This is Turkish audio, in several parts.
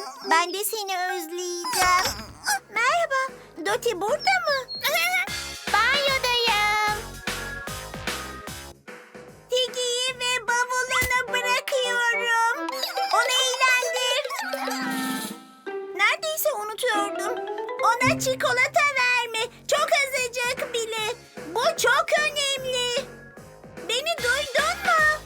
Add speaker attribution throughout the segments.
Speaker 1: Ben de seni özleyeceğim. Merhaba, Doti burada mı?
Speaker 2: Banyodayım.
Speaker 1: Tiggy'yi ve bavulunu bırakıyorum. Onu eğlendir. Neredeyse unutuyordum. Ona çikolata verme. Çok azıcık bile. Bu çok önemli. Beni duydun mu?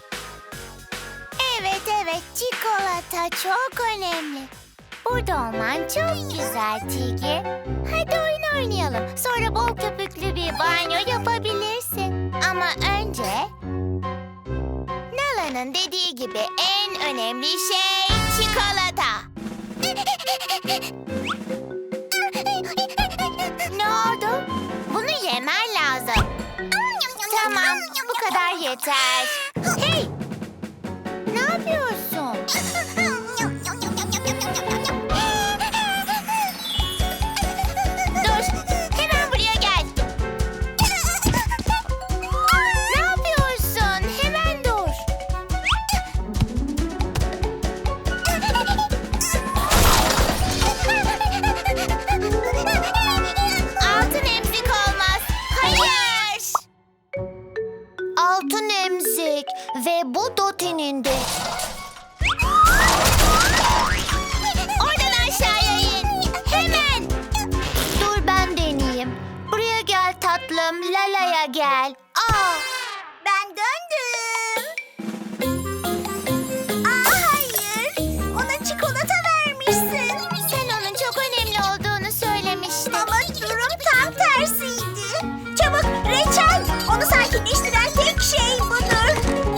Speaker 2: Evet, çikolata çok önemli. Burada olman çok güzel Tiggy. Hadi oyun oynayalım. Sonra bol köpüklü bir banyo yapabilirsin. Ama önce Nala'nın dediği gibi en önemli şey çikolata. Ne oldu? Bunu yemen lazım. Tamam, bu kadar yeter. Hey! Ne yapıyorsun? Dur, hemen buraya gel. Ne yapıyorsun? Hemen dur. Altın emzik olmaz. Hayır. Altın emzik ve bu Doti'nin de. Oradan aşağıya in. Hemen. Dur ben deneyeyim. Buraya gel tatlım. Lala'ya gel.
Speaker 1: Ben döndüm. Hayır. Ona çikolata vermişsin.
Speaker 2: Sen onun çok önemli olduğunu söylemiştin.
Speaker 1: Ama durum tam tersiydi. Çabuk reçel. Onu sakinleştiren tek şey budur.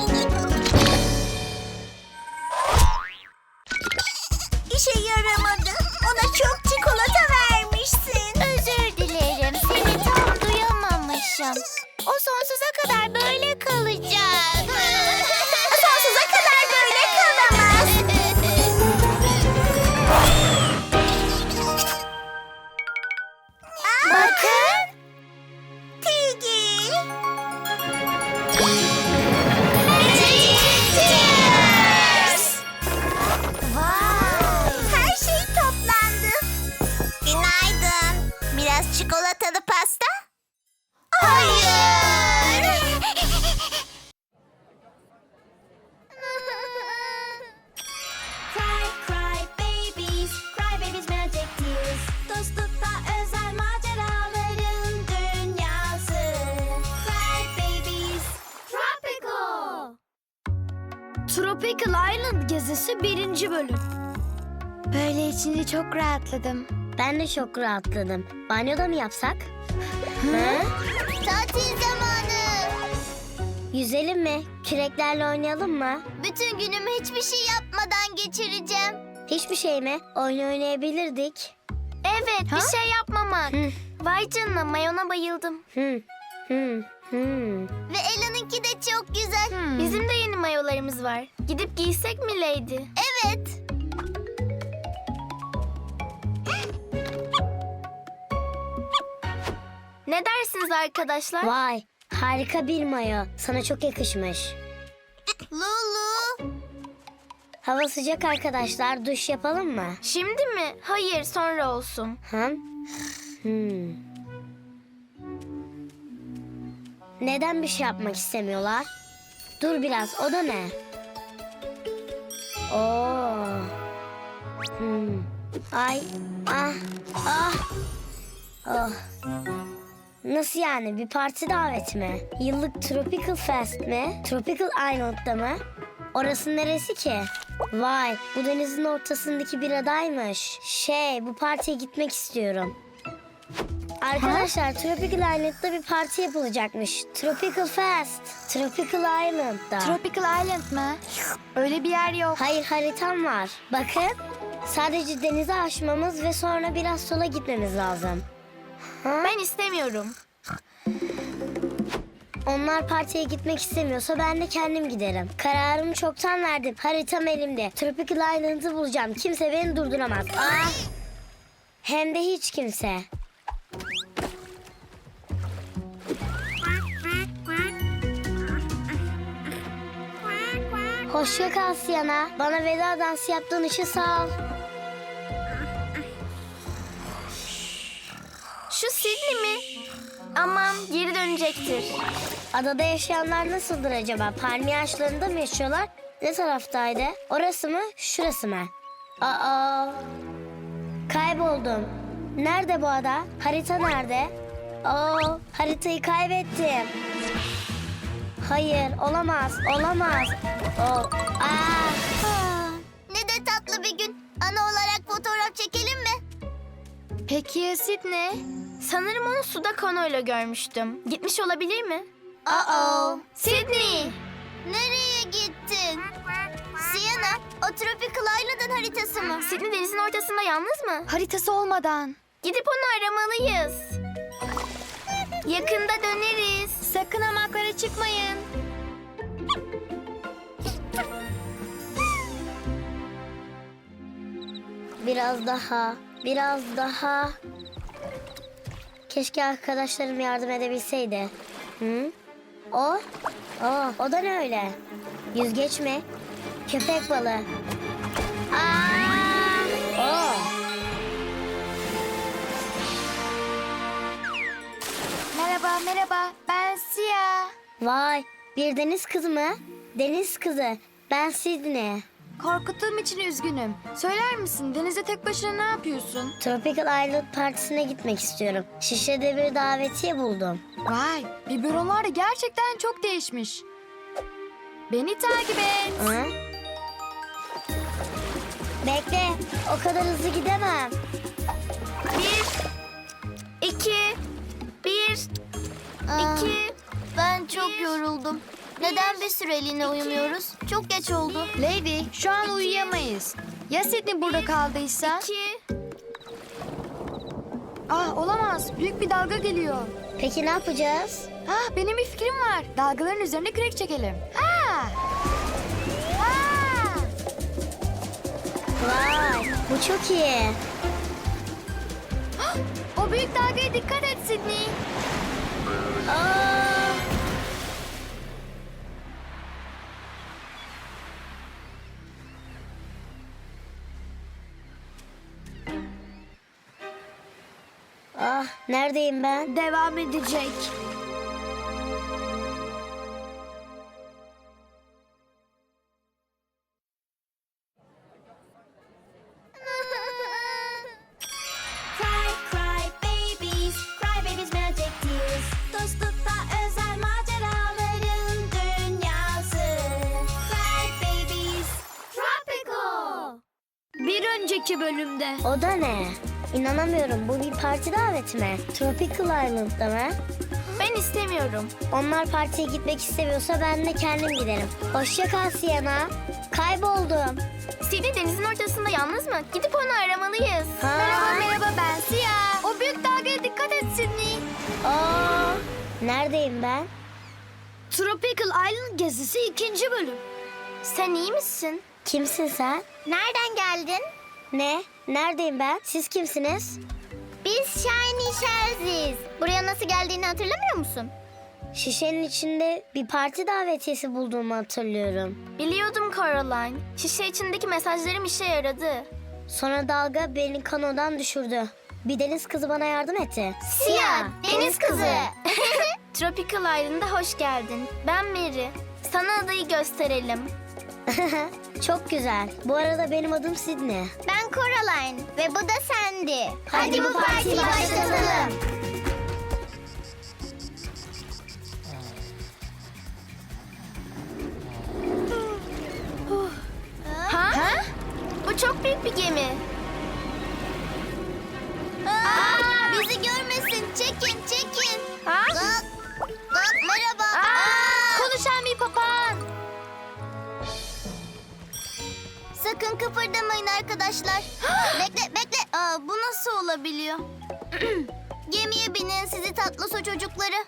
Speaker 1: İşe yaramadı. Ona çok çikolata vermişsin.
Speaker 2: Özür dilerim. Seni tam duyamamışım. O sonsuza kadar böyle kalacak.
Speaker 1: Sonsuza kadar böyle kalamaz.
Speaker 2: Bakın.
Speaker 1: Tiggy.
Speaker 2: Cheers! Vay!
Speaker 1: Her şey toplandı. Günaydın. Biraz çikolatalı pasta?
Speaker 2: Hayır!
Speaker 3: Cry, cry babies, cry babies magic tears. Dostlukta özel maceraların dünyası. Cry babies, tropical.
Speaker 4: Tropical Island gezisi 1. bölüm. Böyle içinde çok rahatladım.
Speaker 5: Ben de çok rahatladım. Banyoda mı yapsak?
Speaker 2: Tatil zamanı.
Speaker 5: Yüzelim mi? Küreklerle oynayalım mı?
Speaker 2: Bütün günümü hiçbir şey yapmadan geçireceğim.
Speaker 5: Hiçbir şey mi? Oyun oynayabilirdik.
Speaker 2: Evet, bir şey yapmamak.
Speaker 5: Hı.
Speaker 2: Vay canına, mayona bayıldım.
Speaker 5: Hı.
Speaker 2: Ve Ela'nınki de çok güzel. Bizim de yeni mayolarımız var. Gidip giysek mi Lady? Evet. Ne dersiniz arkadaşlar?
Speaker 5: Vay, harika bir mayo. Sana çok yakışmış.
Speaker 2: Lulu.
Speaker 5: Hava sıcak arkadaşlar. Duş yapalım mı?
Speaker 2: Şimdi mi? Hayır, sonra olsun.
Speaker 5: Neden bir şey yapmak istemiyorlar? Dur biraz, o da ne? Oo. Ay, oh. Nasıl yani? Bir parti daveti mi? Yıllık Tropical Fest mi? Tropical Island'da mı? Orası neresi ki? Vay, bu denizin ortasındaki bir adaymış. Bu partiye gitmek istiyorum. Arkadaşlar, Tropical Island'da bir parti yapılacakmış. Tropical Fest. Tropical Island'da.
Speaker 4: Tropical Island mı? Öyle bir yer yok.
Speaker 5: Hayır, haritam var. Bakın. Sadece denize aşmamız ve sonra biraz sola gitmemiz lazım.
Speaker 2: Ben istemiyorum.
Speaker 5: Onlar partiye gitmek istemiyorsa ben de kendim giderim. Kararımı çoktan verdim. Haritam elimde. Tropical Island'ı bulacağım. Kimse beni durduramaz. Hem de hiç kimse. Hoşça kal Siyana. Bana veda dansı yaptığın için sağ ol.
Speaker 4: Sidney mi? Aman geri dönecektir.
Speaker 5: Adada yaşayanlar nasıldır acaba? Palmiye ağaçlarında mı yaşıyorlar? Ne taraftaydı? Orası mı? Şurası mı? Aa! Kayboldum. Nerede bu ada? Harita nerede? Haritayı kaybettim. Hayır, olamaz, olamaz.
Speaker 2: Ne de tatlı bir gün. Ana olarak fotoğraf çekelim mi?
Speaker 4: Peki ya Sidney? Sanırım onu suda kanoyla görmüştüm. Gitmiş olabilir mi? Sidney!
Speaker 2: Nereye gittin? Sienna, o Tropical Island'ın haritası mı?
Speaker 4: Sidney denizin ortasında yalnız mı? Haritası olmadan. Gidip onu aramalıyız. Yakında döneriz. Sakın hamaklara çıkmayın.
Speaker 5: Biraz daha, biraz daha. Keşke arkadaşlarım yardım edebilseydi. Hı? O da ne öyle? Yüzgeç mi? Köpek balığı.
Speaker 4: Merhaba. Ben Sia.
Speaker 5: Vay, bir deniz kızı mı? Deniz kızı. Ben Sidney.
Speaker 4: Korkuttuğum için üzgünüm. Söyler misin denizde tek başına ne yapıyorsun?
Speaker 5: Tropical Island partisine gitmek istiyorum. Şişli'de bir davetiye buldum.
Speaker 4: Vay, biberonlar da gerçekten çok değişmiş. Beni takip et.
Speaker 5: Hı? Bekle, o kadar hızlı gidemem.
Speaker 4: 1, 2, 1, 2.
Speaker 2: Ben çok yoruldum. Neden bir süreliğine uyumuyoruz? Çok geç oldu.
Speaker 4: Lady, şu an uyuyamayız. Ya Sidney burada kaldıysa? 2. Olamaz. Büyük bir dalga geliyor.
Speaker 5: Peki ne yapacağız?
Speaker 4: Benim bir fikrim var. Dalgaların üzerine kürek çekelim.
Speaker 5: Vay, bu çok iyi.
Speaker 4: O büyük dalgaya dikkat et Sidney.
Speaker 5: Neredeyim ben?
Speaker 4: Devam edecek.
Speaker 3: Cry babies, cry babies magic tears. Dostlukta özel maceraların dünyası. Cry babies, tropical.
Speaker 4: Bir önceki bölümde.
Speaker 5: O da ne? İnanamıyorum, bu bir parti daveti mi? Tropical Island'da mı?
Speaker 4: Ben istemiyorum.
Speaker 5: Onlar partiye gitmek istemiyorsa ben de kendim giderim. Hoşça kal Sienna. Kayboldum.
Speaker 4: Sidney denizin ortasında yalnız mı? Gidip onu aramalıyız.
Speaker 5: Ha?
Speaker 4: Merhaba ben Sia. O büyük dalgaya dikkat et Sidney.
Speaker 5: Neredeyim ben?
Speaker 4: Tropical Island gezisi 2. bölüm. Sen iyi misin?
Speaker 5: Kimsin sen?
Speaker 2: Nereden geldin?
Speaker 5: Ne? Neredeyim ben? Siz kimsiniz?
Speaker 2: Biz Shiny Shells'iz. Buraya nasıl geldiğini hatırlamıyor musun?
Speaker 5: Şişenin içinde bir parti davetiyesi bulduğumu hatırlıyorum.
Speaker 4: Biliyordum Caroline. Şişe içindeki mesajlarım işe yaradı.
Speaker 5: Sonra dalga beni kanodan düşürdü. Bir deniz kızı bana yardım etti.
Speaker 2: Sia, deniz kızı.
Speaker 4: Tropical Island'a hoş geldin. Ben Mary. Sana adayı gösterelim.
Speaker 5: Çok güzel. Bu arada benim adım Sidney.
Speaker 2: Ben Coraline ve bu da Sandy.
Speaker 5: Hadi bu partiyi başlatalım.
Speaker 4: Ha? Bu çok büyük bir gemi.
Speaker 2: Bizi görmesin. Çekin.
Speaker 4: Ha?
Speaker 2: Merhaba.
Speaker 4: Konuşan bir papağan.
Speaker 2: Sakın kıpırdamayın arkadaşlar. Bekle. Bu nasıl olabiliyor? Gemiye binin sizi tatlı su çocukları.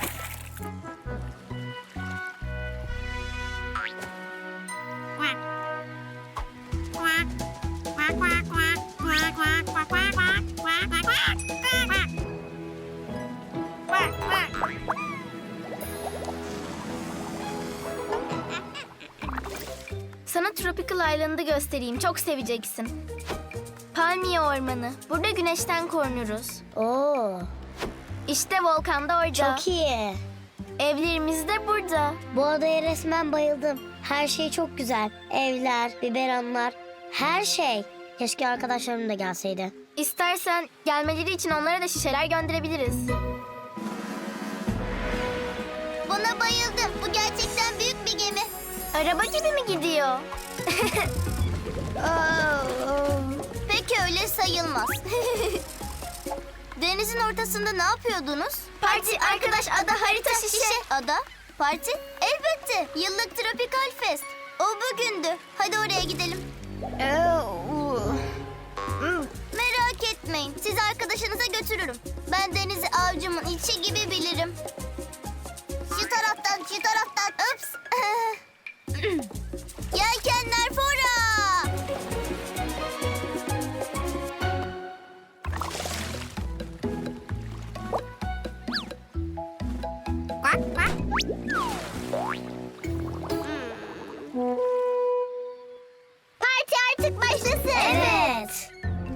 Speaker 4: Sana Tropical Island'ı göstereyim. Çok seveceksin. Palmiye ormanı. Burada güneşten korunuruz. İşte volkan da orada.
Speaker 5: Çok iyi.
Speaker 4: Evlerimiz de burada.
Speaker 5: Bu adaya resmen bayıldım. Her şey çok güzel. Evler, biberonlar, her şey. Keşke arkadaşlarım da gelseydi.
Speaker 4: İstersen gelmeleri için onlara da şişeler gönderebiliriz.
Speaker 2: Buna bayıldım. Bu gerçekten büyük bir gemi.
Speaker 4: Araba gibi mi gidiyor?
Speaker 2: Peki öyle sayılmaz. Denizin ortasında ne yapıyordunuz?
Speaker 4: Parti, arkadaş, ada, harita, şişe.
Speaker 2: Ada? Parti? Elbette. Yıllık Tropical Fest. O bugündü. Hadi oraya gidelim. Merak etmeyin. Sizi arkadaşınıza götürürüm. Ben denizi avcımın içi gibi bilirim. Şu taraftan, şu taraftan. Ups. Yelkenler fora. Parti artık başlasın.
Speaker 5: Evet.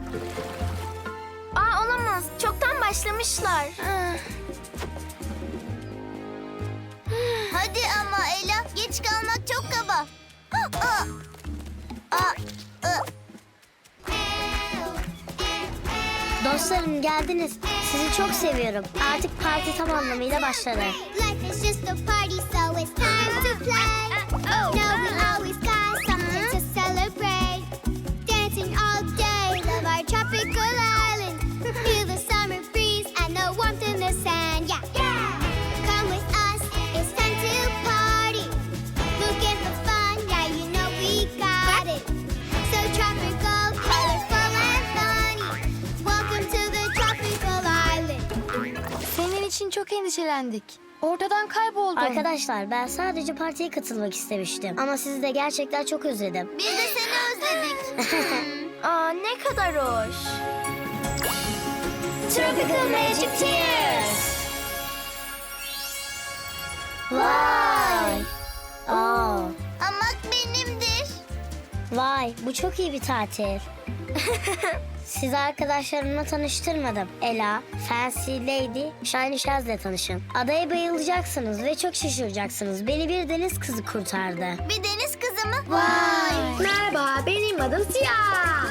Speaker 4: Aa, olamaz. Çoktan başlamışlar.
Speaker 2: Hadi ama Ela, geç kalmak çok kaba. Aa, aa, aa.
Speaker 5: Dostlarım geldiniz. Sizi çok seviyorum. Artık parti tam anlamıyla başladı.
Speaker 2: Life is just a party, so it's time to play. No, we always got something to celebrate. Dancing all day, love our tropical island. Feel the summer breeze and the warmth in the sand. Yeah, come with us, it's time to party. Look at the fun, yeah, you know we got it. So tropical, colorful and funny. Welcome to the tropical island.
Speaker 6: Senin için çok endişelendik. Ortadan kayboldun.
Speaker 5: Arkadaşlar ben sadece partiye katılmak istemiştim. Ama sizi de gerçekten çok özledim.
Speaker 2: Biz de seni özledik.
Speaker 4: Aa, ne kadar hoş.
Speaker 5: Tropical Magic Tears. Vay. Aa,
Speaker 2: Hamak benimdir.
Speaker 5: vay bu çok iyi bir tatil. Sizi arkadaşlarımla tanıştırmadım. Ela, Fancy Lady, Shiny Shaz'le tanışın. Adaya bayılacaksınız ve çok şaşıracaksınız. Beni bir deniz kızı kurtardı.
Speaker 2: Bir deniz kızı mı?
Speaker 5: Vay.
Speaker 6: Merhaba, benim adım Siyah.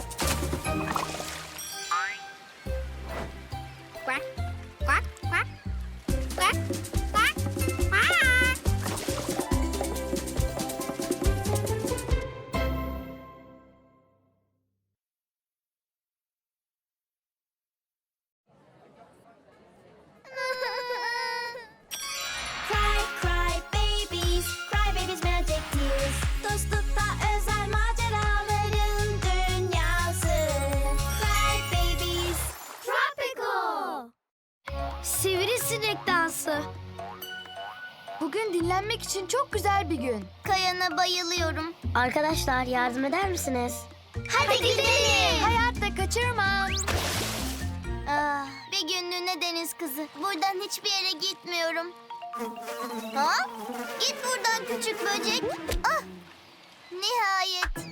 Speaker 3: Cry, cry babies, cry babies magic tears. Dostlukta özel maceraların dünyası. Cry babies, tropical.
Speaker 4: Sivrisinek dansı.
Speaker 6: Bugün dinlenmek için çok güzel bir gün.
Speaker 2: Kayana bayılıyorum.
Speaker 5: Arkadaşlar yardım eder misiniz?
Speaker 2: Hadi gidelim.
Speaker 6: Hayatta kaçırmam.
Speaker 2: Ah, bir günlüğüne deniz kızı. Buradan hiçbir yere gitmiyorum. Ha? Git buradan küçük böcek. Ah! Nihayet.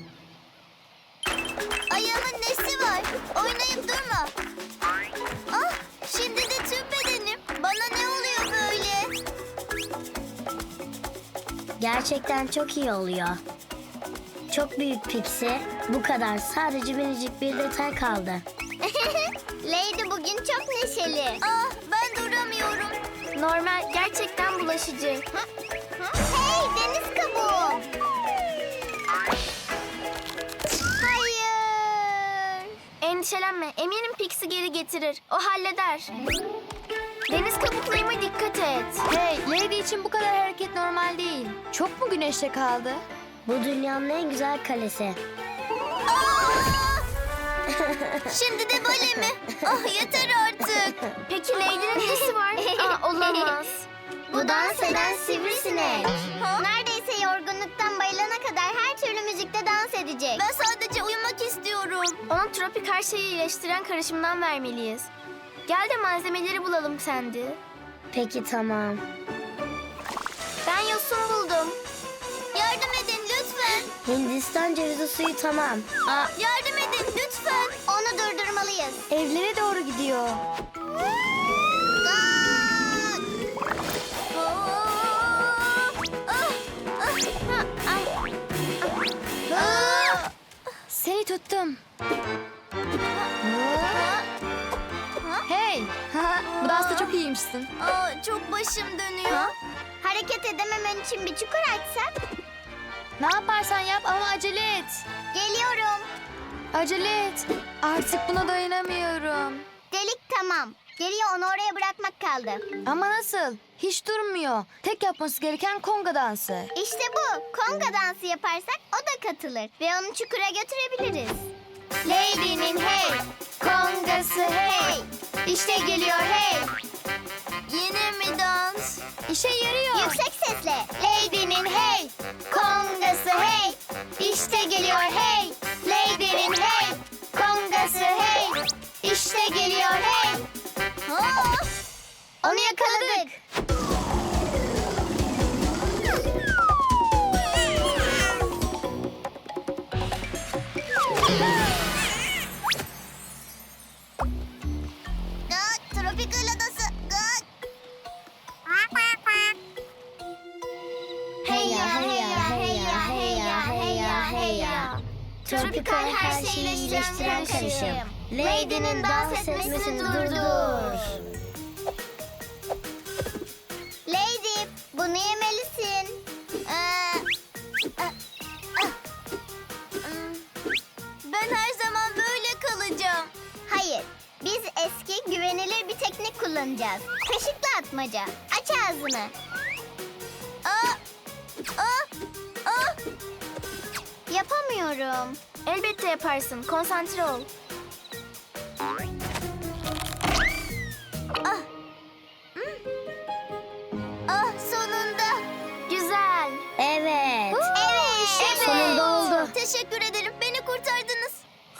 Speaker 2: Ayağımın nesi var? Oynayıp durma. Ah! Şimdi de tüm bedenim. Bana ne oluyor böyle?
Speaker 5: Gerçekten çok iyi oluyor. Çok büyük Pixie. Bu kadar. Sadece minicik bir detay kaldı.
Speaker 2: Lady bugün çok neşeli. Ah! Ben duramıyorum.
Speaker 4: Normal, gerçekten bulaşıcı.
Speaker 2: Hey deniz kabuğu. Hayır.
Speaker 4: Endişelenme, eminim Pixie geri getirir. O halleder. Deniz kabuklarıma dikkat et.
Speaker 6: Hey, Lady için bu kadar hareket normal değil. Çok mu güneşte kaldı?
Speaker 5: Bu dünyanın en güzel kalesi.
Speaker 2: Şimdi de böyle mi? Ah yeter artık.
Speaker 4: Peki Lady'nin nesi var? Aa, olamaz.
Speaker 2: Bu dans eden sivrisinek. Neredeyse yorgunluktan bayılana kadar her türlü müzikte dans edecek. Ben sadece uyumak istiyorum.
Speaker 4: Ona tropik her şeyi iyileştiren karışımdan vermeliyiz. Gel de malzemeleri bulalım Sandy.
Speaker 5: Peki tamam.
Speaker 4: Ben yosun buldum.
Speaker 2: Yardım edin lütfen.
Speaker 5: Hindistan cevizi suyu tamam. Aa,
Speaker 2: Yardım edin lütfen. Onu durdurmalıyız.
Speaker 6: Evlere doğru gidiyor. Hey! Bu dansta çok iyiymişsin.
Speaker 2: Çok başım dönüyor. Hareket edememen için bir çukur açsak?
Speaker 6: Ne yaparsan yap ama acele et.
Speaker 2: Geliyorum.
Speaker 6: Acele et. Artık buna dayanamıyorum.
Speaker 2: Delik tamam. Geriye onu oraya bırakmak kaldı.
Speaker 6: Ama nasıl? Hiç durmuyor. Tek yapması gereken konga dansı.
Speaker 2: İşte bu. Konga dansı yaparsak o da katılır. Ve onu çukura götürebiliriz. Lady'nin hey, kongası hey. İşte geliyor hey. Yine mi dans?
Speaker 6: İşe yarıyor.
Speaker 2: Yüksek sesle. Lady'nin hey, kongası hey. İşte geliyor hey. Lady'nin hey, kongası hey. İşte geliyor hey. Onu yakaladık. Tropikal adası. Hey ya hey ya hey ya hey ya hey ya hey ya. Tropikal her şeyi iyileştiren karışım. Lady'nin dans etmesini durdur. Lady, bunu yemelisin. Ben her zaman böyle kalacağım. Hayır, biz eski güvenilir bir teknik kullanacağız. Kaşıkla atmaca. Aç ağzını. Yapamıyorum.
Speaker 4: Elbette yaparsın. Konsantre ol.
Speaker 2: Sonunda.
Speaker 4: Güzel.
Speaker 5: Evet.
Speaker 2: Evet.
Speaker 5: Sonunda oldu.
Speaker 2: Teşekkür ederim. Beni kurtardınız.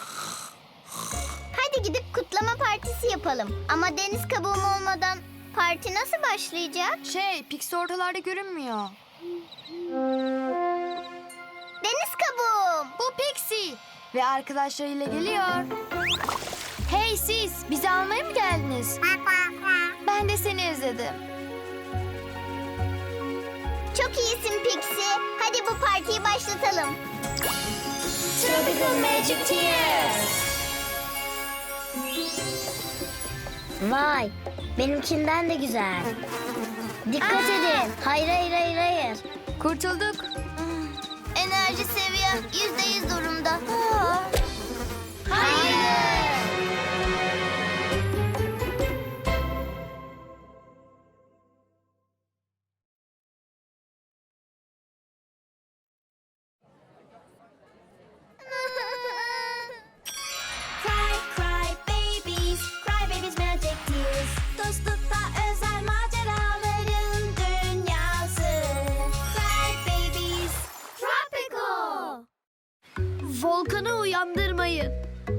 Speaker 2: Hadi gidip kutlama partisi yapalım. Ama deniz kabuğum olmadan parti nasıl başlayacak?
Speaker 6: Pixie ortalarda görünmüyor.
Speaker 2: Deniz kabuğum.
Speaker 6: Bu Pixie. Ve arkadaşlarıyla geliyor. Hey siz, bizi almaya mı geldiniz? Ben de seni özledim.
Speaker 2: Çok iyisin Pixie. Hadi bu partiyi başlatalım.
Speaker 5: Tropical Magic Tears. Vay, benimkinden de güzel. Dikkat edin. Hayır.
Speaker 6: Kurtulduk.
Speaker 2: Enerji seviyem %100 durumda.
Speaker 3: Cry, cry babies, cry babies magic tears. Dostlukta özel maceraların dünyası. Cry babies, tropical.
Speaker 4: Volkanı uyandırmayın.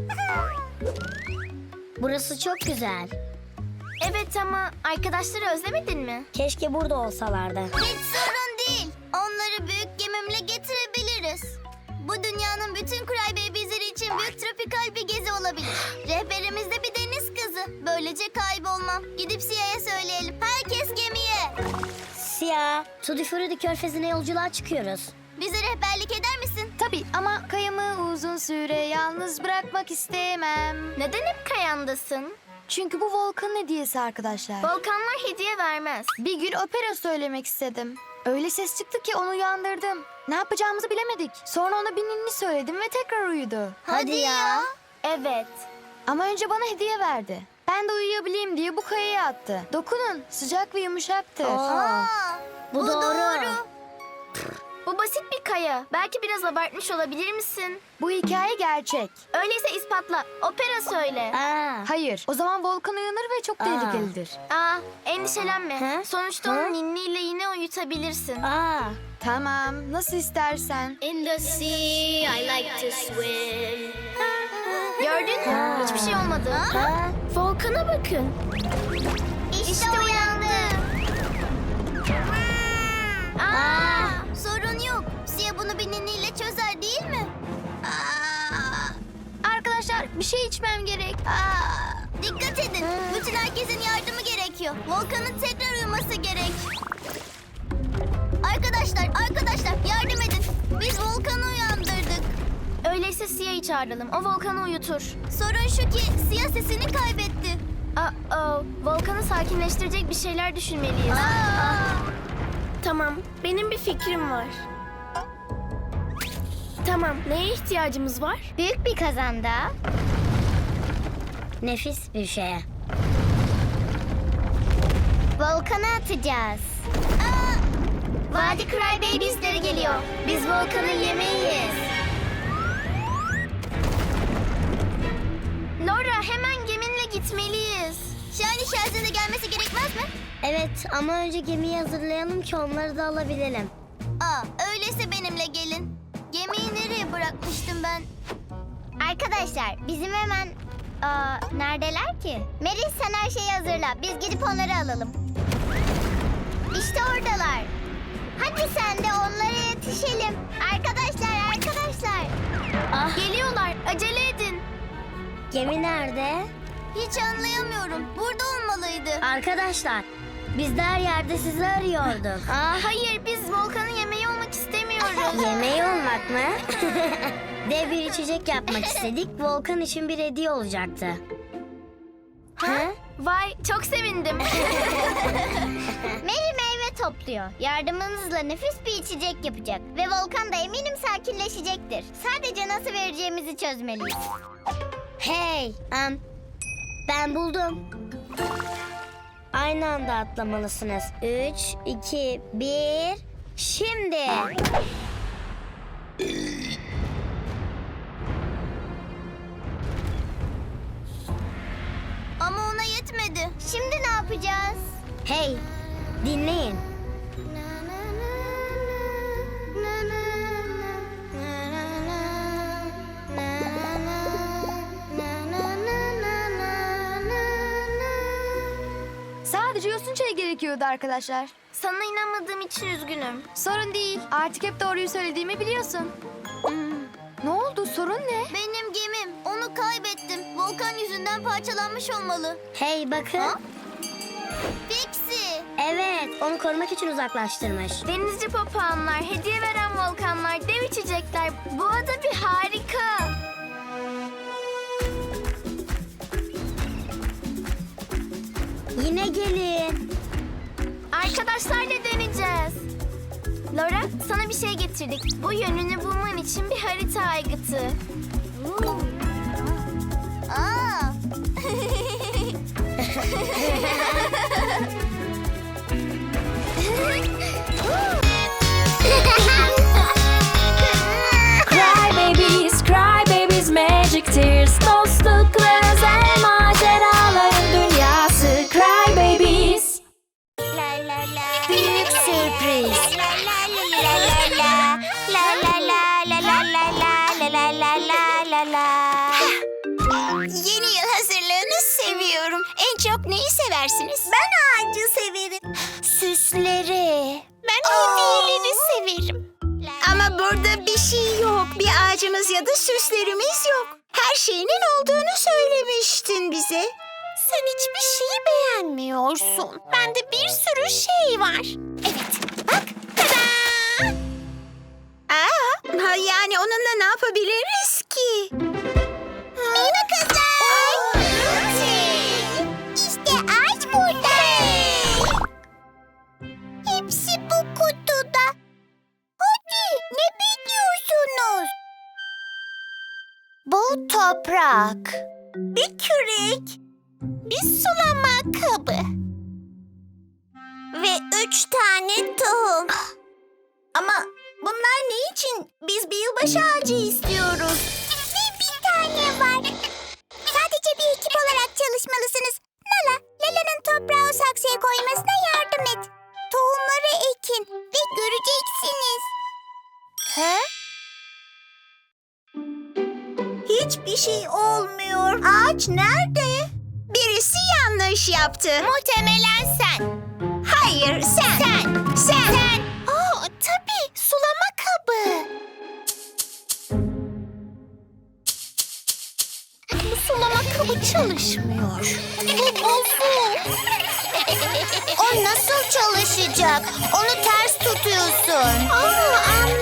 Speaker 5: Burası çok güzel.
Speaker 4: Evet ama arkadaşları özlemedin mi?
Speaker 5: Keşke burada olsalardı.
Speaker 2: Hiç sorun değil. Onları büyük gemimle getirebiliriz. Bu dünyanın bütün Cry Babies'leri için büyük tropikal bir gezi olabilir. Rehberimiz de bir deniz kızı. Böylece kaybolmam. Gidip Sia'ya söyleyelim. Herkes gemiye.
Speaker 5: Siyah, Tutti Frutti Körfezi'ne yolculuğa çıkıyoruz.
Speaker 2: Bize rehberlik eder misin?
Speaker 6: Tabii ama kayamı uzun süre yalnız bırakmak istemem.
Speaker 4: Neden hep kayandasın?
Speaker 6: Çünkü bu Volkan'ın hediyesi arkadaşlar.
Speaker 4: Volkanlar hediye vermez.
Speaker 6: Bir gün opera söylemek istedim. Öyle ses çıktı ki onu uyandırdım. Ne yapacağımızı bilemedik. Sonra ona bir ninni söyledim ve tekrar uyudu.
Speaker 2: Hadi ya.
Speaker 4: Evet.
Speaker 6: Ama önce bana hediye verdi. Ben de uyuyabileyim diye bu kayaya attı. Dokunun, sıcak ve yumuşaktır.
Speaker 2: Aa,
Speaker 5: Bu doğru.
Speaker 4: Bu basit bir kaya. Belki biraz abartmış olabilir misin?
Speaker 6: Bu hikaye gerçek.
Speaker 4: Öyleyse ispatla. Opera söyle.
Speaker 6: Hayır, o zaman Volkan uyanır ve çok tehlikelidir.
Speaker 4: Endişelenme.
Speaker 5: He?
Speaker 4: Sonuçta
Speaker 5: He?
Speaker 4: onu ninniyle yine uyutabilirsin.
Speaker 6: Tamam, nasıl istersen.
Speaker 1: In the sea I like to swim.
Speaker 4: Gördün mü? Hiçbir şey olmadı. Volkan'a bakın.
Speaker 2: İşte uyandı. Sorun yok. Sia bunu bir ninniyle çözer değil mi?
Speaker 6: Arkadaşlar, bir şey içmem gerek.
Speaker 2: Dikkat edin. Bütün herkesin yardımı gerekiyor. Volkan'ın tekrar uyuması gerek. Arkadaşlar yardım edin. Biz Volkan'ı uyandırdık.
Speaker 4: Öyleyse Sia'yı Siyah'ı çağıralım. O Volkan'ı uyutur.
Speaker 2: Sorun şu ki Siyah sesini kaybetti.
Speaker 4: Volkan'ı sakinleştirecek bir şeyler düşünmeliyiz. Tamam, benim bir fikrim var. Tamam, neye ihtiyacımız var?
Speaker 2: Büyük bir kazanda.
Speaker 5: Nefis bir şeye.
Speaker 2: Volkan'a atacağız. Vadi Crybabies'leri geliyor. Biz Volkan'ın yemeğiyiz.
Speaker 4: Laura, hemen geminle gitmeliyiz.
Speaker 2: Shiny Shells'in de gelmesi gerekmez mi?
Speaker 5: Evet ama önce gemiyi hazırlayalım ki onları da alabilelim.
Speaker 2: Öyleyse benimle gelin. Gemiyi nereye bırakmıştım ben? Arkadaşlar bizim hemen... neredeler ki? Melis sen her şeyi hazırla. Biz gidip onları alalım. İşte oradalar. Hadi sen de onlara yetişelim. Arkadaşlar.
Speaker 4: Geliyorlar, acele edin.
Speaker 5: Gemi nerede?
Speaker 2: Hiç anlayamıyorum. Burada olmalıydı.
Speaker 5: Arkadaşlar biz de her yerde sizi arıyorduk.
Speaker 4: Hayır, biz Volkan'ın yemeği olmak istemiyoruz.
Speaker 5: Yemeği olmak mı? Dev bir içecek yapmak istedik. Volkan için bir hediye olacaktı. Ha?
Speaker 4: Vay, çok sevindim.
Speaker 2: Mary meyve topluyor. Yardımınızla nefis bir içecek yapacak. Ve Volkan da eminim sakinleşecektir. Sadece nasıl vereceğimizi çözmeliyiz.
Speaker 5: Hey, ben buldum. Aynı anda atlamalısınız. 3, 2, 1, şimdi.
Speaker 2: Ama ona yetmedi. Şimdi ne yapacağız?
Speaker 5: Hey, dinleyin.
Speaker 6: Sadece yosun çayı gerekiyordu arkadaşlar.
Speaker 4: Sana inanmadığım için üzgünüm.
Speaker 6: Sorun değil. Artık hep doğruyu söylediğimi biliyorsun. Ne oldu? Sorun ne?
Speaker 2: Benim gemim. Onu kaybettim. Volkan yüzünden parçalanmış olmalı.
Speaker 5: Hey bakın.
Speaker 2: Pixie.
Speaker 5: Evet, onu korumak için uzaklaştırmış.
Speaker 4: Denizci papağanlar, hediye veren volkanlar, dev içecekler. Bu ada bir harika.
Speaker 5: Yine gelin.
Speaker 4: Arkadaşlarla deneyeceğiz. Laura, sana bir şey getirdik. Bu yönünü bulman için bir harita aygıtı.
Speaker 2: Aa.
Speaker 3: Cry babies, magic tears. Dostluk ve özel maceraların dünyası. Cry babies.
Speaker 2: La la la.
Speaker 5: Büyük sürpriz.
Speaker 2: La la la la la la la la la la la la la la la la. Yeni yıl hazırlığını seviyorum. En çok neyi seversiniz?
Speaker 1: Ben ağacı severim.
Speaker 2: Süsleri. Ben hediyeleri severim.
Speaker 1: Ama burada bir şey yok. Bir ağacımız ya da süslerimiz yok. Her şeyinin olduğunu söylemiştin bize.
Speaker 2: Sen hiçbir şeyi beğenmiyorsun. Bende bir sürü şey var. Evet, bak. Tada!
Speaker 1: Yani onunla ne yapabiliriz ki?
Speaker 2: Merhaba kızlar. İşte ağaç burada. Hepsi bu kutuda. Hadi ne bekliyorsunuz? Bu toprak.
Speaker 1: Bir kürek.
Speaker 2: Bir sulama kabı.
Speaker 1: Ve 3 tane tohum. Ama bunlar ne için? Biz bir yılbaşı ağacı istiyoruz.
Speaker 2: Ve bir tane var. Sadece bir ekip olarak çalışmalısınız. Lala, Lala'nın toprağı o saksıya koymasına yardım et. Tohumları ekin ve göreceksiniz. He?
Speaker 1: Hiçbir şey olmuyor. Ağaç nerede? Birisi yanlış yaptı.
Speaker 2: Muhtemelen sen.
Speaker 1: Hayır, sen. Sen.
Speaker 2: Tabii sulama kabı. Bu sulama kabı çalışmıyor. Bu bozuk. O nasıl çalışacak? Onu ters tutuyorsun. Anladım.